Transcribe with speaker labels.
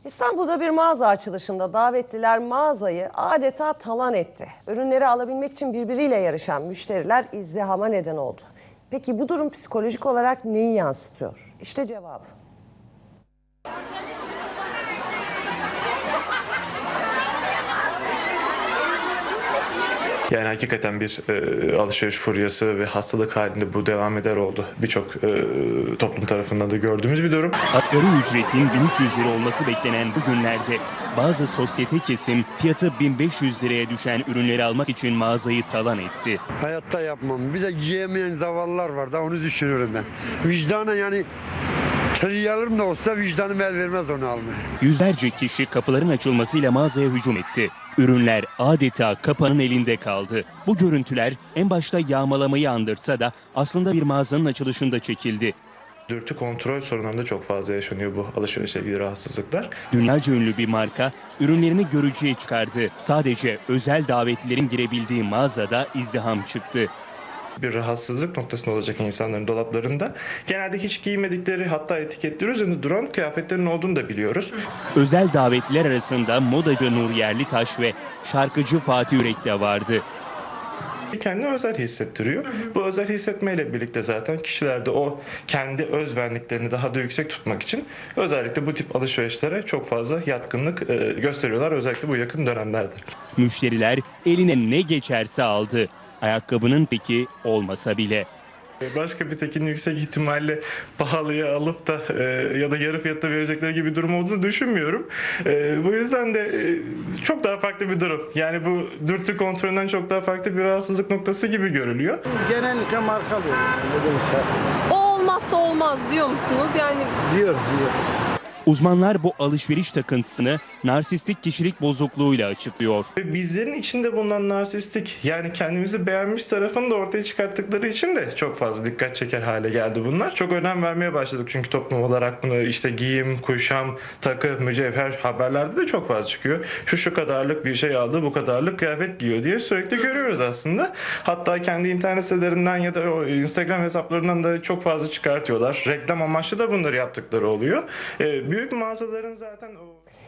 Speaker 1: İstanbul'da bir mağaza açılışında davetliler mağazayı adeta talan etti. Ürünleri alabilmek için birbiriyle yarışan müşteriler izdihama neden oldu. Peki bu durum psikolojik olarak neyi yansıtıyor? İşte cevabı.
Speaker 2: Yani hakikaten bir alışveriş furyası ve hastalık halinde bu devam eder oldu. Birçok toplum tarafından da gördüğümüz bir durum.
Speaker 3: Asgari ücretin 1300 lira olması beklenen bu günlerde bazı sosyete kesim fiyatı 1500 liraya düşen ürünleri almak için mağazayı talan etti.
Speaker 4: Hayatta yapmam. Bir de yiyemeyen zavallılar var da onu düşünüyorum ben. Vicdana yani trilyarım da olsa vicdanım el vermez onu almaya.
Speaker 3: Yüzlerce kişi kapıların açılmasıyla mağazaya hücum etti. Ürünler adeta kapanın elinde kaldı. Bu görüntüler en başta yağmalamayı andırsa da aslında bir mağazanın açılışında çekildi.
Speaker 2: Dürtü kontrol sorunlarında çok fazla yaşanıyor bu alışverişle ilgili rahatsızlıklar.
Speaker 3: Dünyaca ünlü bir marka ürünlerini görücüye çıkardı. Sadece özel davetlilerin girebildiği mağazada izdiham çıktı.
Speaker 2: Bir rahatsızlık noktasında olacak insanların dolaplarında genelde hiç giymedikleri, hatta etiketleri üzerinde duran kıyafetlerin olduğunu da biliyoruz.
Speaker 3: Özel davetliler arasında modacı Nur Yerlitaş ve şarkıcı Fatih Yürek de vardı.
Speaker 2: Kendini özel hissettiriyor. Bu özel hissetmeyle birlikte zaten kişilerde o kendi özbenliklerini daha da yüksek tutmak için özellikle bu tip alışverişlere çok fazla yatkınlık gösteriyorlar. Özellikle bu yakın dönemlerde.
Speaker 3: Müşteriler eline ne geçerse aldı. Ayakkabının teki olmasa bile.
Speaker 2: Başka bir tekini yüksek ihtimalle pahalıya alıp da ya da yarı fiyatta verecekleri gibi bir durum olduğunu düşünmüyorum. Bu yüzden de çok daha farklı bir durum. Yani bu dürtü kontrolünden çok daha farklı bir rahatsızlık noktası gibi görülüyor.
Speaker 5: Genellikle marka alıyorum. Nedense.
Speaker 6: O olmazsa olmaz diyor musunuz? Yani
Speaker 5: Diyorum.
Speaker 3: Uzmanlar bu alışveriş takıntısını narsistik kişilik bozukluğuyla açıklıyor.
Speaker 2: Ve bizlerin içinde bulunan narsistik, yani kendimizi beğenmiş tarafını da ortaya çıkarttıkları için de çok fazla dikkat çeker hale geldi bunlar. Çok önem vermeye başladık çünkü toplum olarak bunu işte giyim, kuşam, takı, mücevher haberlerde de çok fazla çıkıyor. Şu kadarlık bir şey aldı, bu kadarlık kıyafet giyiyor diye sürekli görüyoruz aslında. Hatta kendi internet sitelerinden ya da o Instagram hesaplarından da çok fazla çıkartıyorlar. Reklam amaçlı da bunları yaptıkları oluyor. Büyük mağazaların zaten o